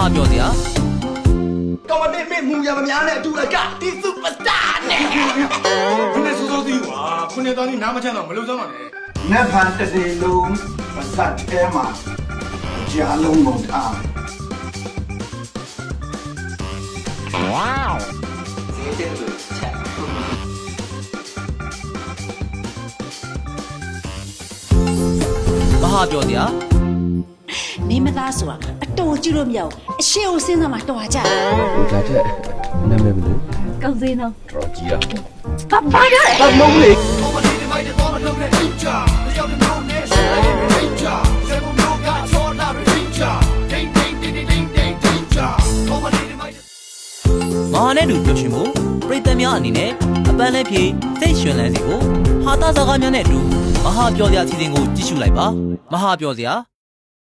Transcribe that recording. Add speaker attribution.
Speaker 1: ဟာပြောစရာ
Speaker 2: ကောင်းတဲ့မင်းမူရမများနဲ့အတူအကဒီစူပါစတာနဲ့
Speaker 3: ခုနေစိုးစိုးသီးကွာခုနေသားကြီးနားမချမ်းတော့မလုံစမ်းပါနဲ့
Speaker 2: နတ်ဖန်တစ်စီလုံးပစတ်ထဲမှာကြားလုံးမုံထား
Speaker 1: မဟာပြောစရာ
Speaker 4: မင်းမသားဆိုတာအတော်ကြည့်လို့မရဘူးအရှိကိုစဉ်းစားမှတော်ကြ
Speaker 5: ဒါထက်နာမည်ဘယ်လို
Speaker 4: ကောင်းစင်းတော့
Speaker 5: တော်ကြီးอ่ะ
Speaker 4: ဘာကြလဲ
Speaker 5: မဟုတ်လေ
Speaker 1: မဟာနဲ့တူပျော်ရွှင်မှုပရိသတ်များအနေနဲ့အပန်းလည်းဖြေစိတ်ရွှင်လန်းစေဖို့ဟာတာစကားများနဲ့အတူမဟာပြောစရာအစီအစဉ်ကိုကြည့်ရှုလိုက်ပါမဟာပြောစရာ